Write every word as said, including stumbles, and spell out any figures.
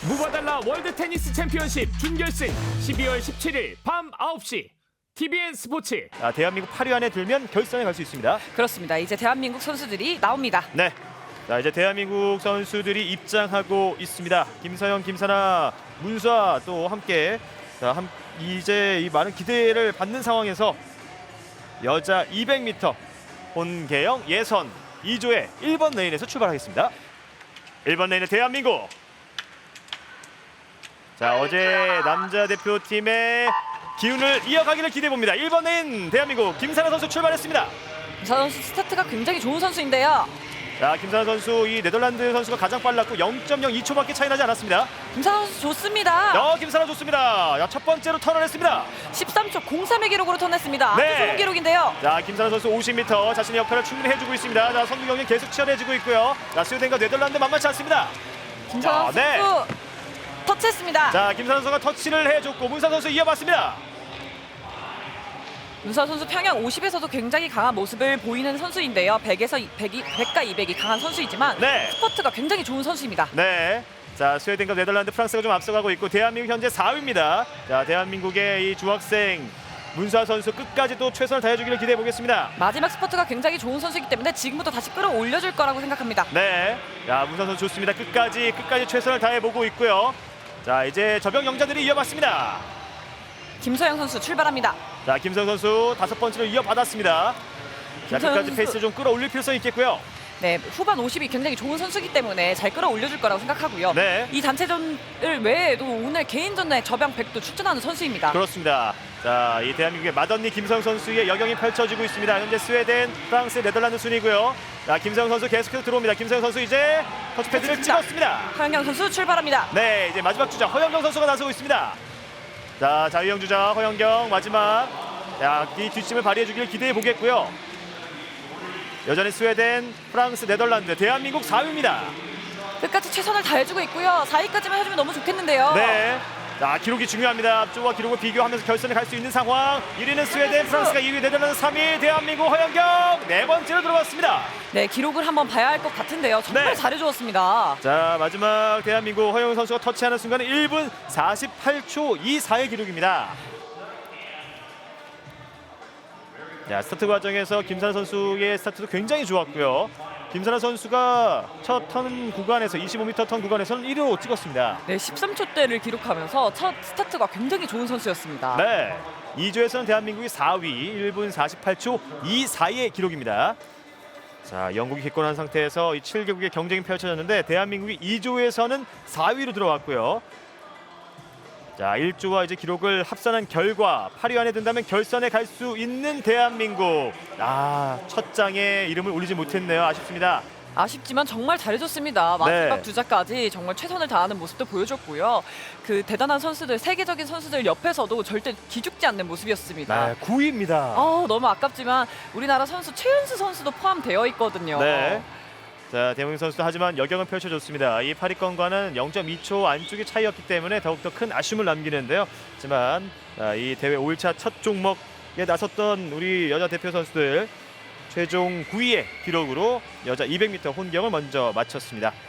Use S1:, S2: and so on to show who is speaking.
S1: 무바달라 월드 테니스 챔피언십 준결승 십이월 십칠일 밤 아홉 시 티비엔 스포츠.
S2: 아, 대한민국 팔 위 안에 들면 결선에 갈 수 있습니다.
S3: 그렇습니다. 이제 대한민국 선수들이 나옵니다.
S2: 네. 자, 이제 대한민국 선수들이 입장하고 있습니다. 김서영, 김사나, 문수아 또 함께 자, 함, 이제 이 많은 기대를 받는 상황에서 여자 이백 미터 혼계영 예선 이 조의 일 번 레인에서 출발하겠습니다. 일 번 레인의 대한민국. 자, 어제 남자 대표팀의 기운을 이어가기를 기대해 봅니다. 일 번 레인 대한민국 김사나 선수 출발했습니다.
S3: 김사나 선수 스타트가 굉장히 좋은 선수인데요.
S2: 자, 김사나 선수 이 네덜란드 선수가 가장 빨랐고 영 점 영이 초밖에 차이 나지 않았습니다.
S3: 김사나 선수 좋습니다.
S2: 야, 김사나 좋습니다. 야, 첫 번째로 턴을했습니다.
S3: 십삼 초 공삼의 기록으로 턴했습니다.
S2: 네.
S3: 아주 좋은 기록인데요.
S2: 자, 김사나 선수 오십 미터 자신의 역할을 충분히 해주고 있습니다. 자, 선두 경기 계속 치열해지고 있고요. 자, 스웨덴과 네덜란드 만만치 않습니다.
S3: 김사나
S2: 자, 네.
S3: 선수 터치했습니다.
S2: 자, 김사나 선수가 터치를 해줬고 문사 선수 이어봤습니다.
S3: 문사 선수 평양 오십에서도 굉장히 강한 모습을 보이는 선수인데요. 백에서 백이, 백과 이백이 강한 선수이지만
S2: 네.
S3: 스포트가 굉장히 좋은 선수입니다.
S2: 네. 자, 스웨덴과 네덜란드, 프랑스가 좀 앞서가고 있고 대한민국 현재 사 위입니다. 자, 대한민국의 이 중학생 문수아 선수 끝까지 또 최선을 다해주기를 기대해 보겠습니다.
S3: 마지막 스포트가 굉장히 좋은 선수이기 때문에 지금부터 다시 끌어올려줄 거라고 생각합니다.
S2: 네. 자, 문수아 선수 좋습니다. 끝까지 끝까지 최선을 다해 보고 있고요. 자, 이제 저병 영자들이 이어봤습니다.
S3: 김서영 선수 출발합니다.
S2: 자, 김성 선수 다섯 번째로 이어받았습니다. 자,
S3: 김서영
S2: 끝까지
S3: 선수.
S2: 페이스를 좀 끌어올릴 필요성이 있겠고요.
S3: 네, 후반 오십이 굉장히 좋은 선수이기 때문에 잘 끌어올려줄 거라고 생각하고요.
S2: 네.
S3: 이 단체전을 외에도 오늘 개인전에 저병 백도 출전하는 선수입니다.
S2: 그렇습니다. 자, 이 대한민국의 맏언니 김성 선수의 여경이 펼쳐지고 있습니다. 현재 스웨덴, 프랑스, 네덜란드 순이고요. 자, 김성 선수 계속해서 들어옵니다. 김성 선수 이제 터치패드를
S3: 좋습니다.
S2: 찍었습니다.
S3: 허영경 선수 출발합니다.
S2: 네, 이제 마지막 주자 허영경 선수가 나서고 있습니다. 자, 자유형 주자 허영경 마지막. 자, 이 뒷심을 발휘해 주기를 기대해 보겠고요. 여전히 스웨덴, 프랑스, 네덜란드, 대한민국 사 위입니다.
S3: 끝까지 최선을 다해주고 있고요. 사 위까지만 해주면 너무 좋겠는데요.
S2: 네. 자, 기록이 중요합니다. 앞쪽과 기록을 비교하면서 결선에 갈 수 있는 상황. 일 위는 스웨덴, 프랑스가 이 위, 네덜란드 삼 위, 대한민국 허영경 네 번째로 들어갔습니다.
S3: 네, 기록을 한번 봐야 할 것 같은데요. 정말
S2: 네.
S3: 잘해주었습니다.
S2: 자, 마지막 대한민국 허영경 선수가 터치하는 순간은 일 분 사십팔 초 이십사의 기록입니다. 자, 스타트 과정에서 김사나 선수의 스타트도 굉장히 좋았고요. 김사나 선수가 첫 턴 구간에서 이십오 미터 턴 구간에서는 일 위로 찍었습니다.
S3: 네, 십삼 초대를 기록하면서 첫 스타트가 굉장히 좋은 선수였습니다.
S2: 네. 이 조에서는 대한민국이 사 위 일 분 사십팔 초 이십사의 기록입니다. 자, 영국이 기권한 상태에서 이 칠 개국의 경쟁이 펼쳐졌는데 대한민국이 이 조에서는 사 위로 들어왔고요. 자, 일 조와 이제 기록을 합산한 결과 팔 위 안에 든다면 결선에 갈 수 있는 대한민국. 아, 첫 장에 이름을 올리지 못했네요. 아쉽습니다.
S3: 아쉽지만 정말 잘해줬습니다. 마지막
S2: 네.
S3: 주자까지 정말 최선을 다하는 모습도 보여줬고요. 그 대단한 선수들, 세계적인 선수들 옆에서도 절대 기죽지 않는 모습이었습니다.
S2: 네, 구 위입니다.
S3: 아, 너무 아깝지만 우리나라 선수 최윤수 선수도 포함되어 있거든요.
S2: 네. 자, 대한민국 선수도 하지만 여경은 펼쳐줬습니다. 이 팔 위권과는 영 점 이 초 안쪽의 차이였기 때문에 더욱더 큰 아쉬움을 남기는데요. 하지만 아, 이 대회 오 일차 첫 종목에 나섰던 우리 여자 대표 선수들 최종 구 위의 기록으로 여자 이백 미터 혼경을 먼저 마쳤습니다.